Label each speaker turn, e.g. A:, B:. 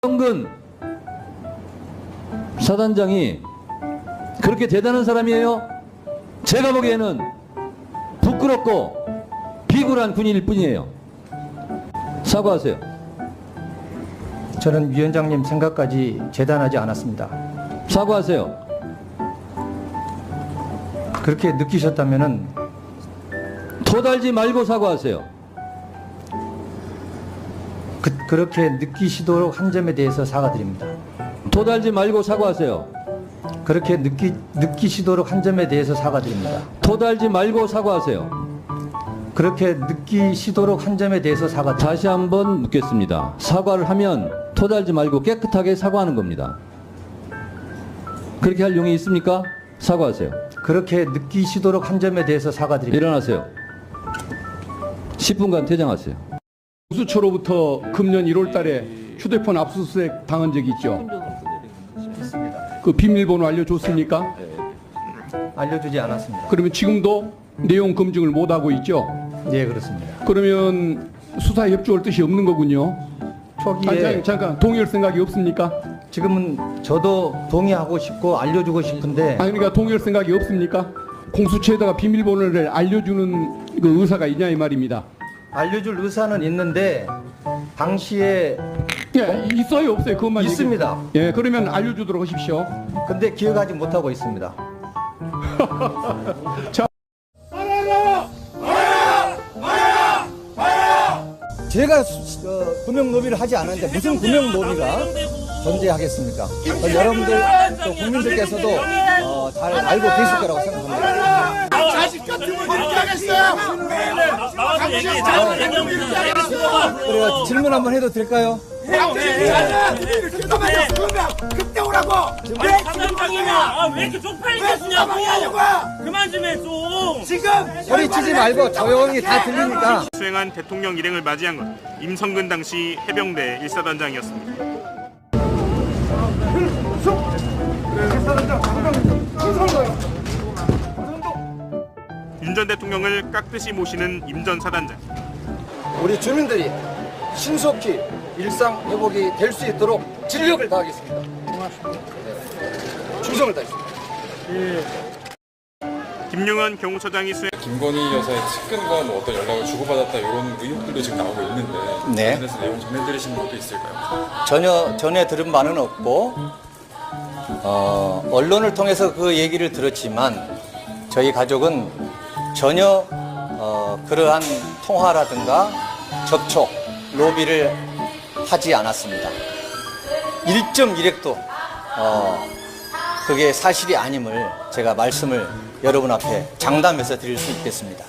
A: 김성근 사단장이 그렇게 대단한 사람이에요? 제가 보기에는 부끄럽고 비굴한 군인일 뿐이에요. 사과하세요.
B: 저는 위원장님 생각까지 재단하지 않았습니다.
A: 사과하세요.
B: 그렇게 느끼셨다면은
A: 토달지 말고 사과하세요.
B: 그렇게 느끼시도록 한 점에 대해서 사과드립니다.
A: 토달지 말고 사과하세요.
B: 그렇게 느끼시도록 한 점에 대해서 사과드립니다.
A: 토달지 말고 사과하세요.
B: 그렇게 느끼시도록 한 점에 대해서 사과드립니다.
A: 다시 한번 묻겠습니다. 사과를 하면 토달지 말고 깨끗하게 사과하는 겁니다. 그렇게 할 용이 있습니까? 사과하세요.
B: 그렇게 느끼시도록 한 점에 대해서 사과드립니다.
A: 일어나세요. 10분간 퇴장하세요.
C: 공수처로부터 금년 1월 달에 휴대폰 압수수색 당한 적이 있죠? 그 비밀번호 알려줬습니까?
B: 알려주지 않았습니다.
C: 그러면 지금도 내용 검증을 못하고 있죠?
B: 네, 그렇습니다.
C: 그러면 수사에 협조할 뜻이 없는 거군요?
B: 초기에
C: 잠깐 동의할 생각이 없습니까?
B: 지금은 저도 동의하고 싶고 알려주고 싶은데
C: 아니 그러니까 동의할 생각이 없습니까? 공수처에다가 비밀번호를 알려주는 그 의사가 있냐 이 말입니다.
B: 알려줄 의사는 있는데 당시에
C: 예, 있어요 없어요 그것만
B: 있습니다.
C: 예, 그러면 알려주도록 하십시오.
B: 근데 기억하지 못하고 있습니다.
C: 자.
D: 제가 금융 로비를 하지 않았는데 무슨 금융 로비가 존재하겠습니까? 여러분들 또 국민들께서도 잘 알고 계실 거라고 생각합니다.
E: 자식 같은 걸 이렇게 하겠어요? 당신 자식 같은 걸 이렇게 하겠어요?
D: 그래요. 질문 한번 해도 될까요?
E: 그때 오라고! 왜 지금 방이냐?
F: 왜 이렇게 쪽팔리게 쓰냐고! 그만 좀 해, 좀!
E: 지금!
D: 소리치지 말고 조용히 다 들리니까.
G: 수행한 대통령 일행을 맞이한 것 임성근 당시 해병대 1사단장이었습니다. 윤 전 대통령을 깍듯이 모시는 임 전 사단장.
D: 우리 주민들이 신속히 일상 회복이 될 수 있도록 진력을 다하겠습니다. 네. 충성을 다하겠습니다.
G: 김용현 경호처장이 수행.
H: 김건희 여사의 측근과 뭐 어떤 연락을 주고받았다 이런 의혹들도 지금 나오고 있는데
I: 네.
H: 관련해서 내용 전해드리신 것도 있을까요?
I: 전혀 들은 바는 없고 언론을 통해서 그 얘기를 들었지만 저희 가족은 전혀 그러한 통화라든가 접촉, 로비를 하지 않았습니다. 1.1핵도 그게 사실이 아님을 제가 말씀을 여러분 앞에 장담해서 드릴 수 있겠습니다.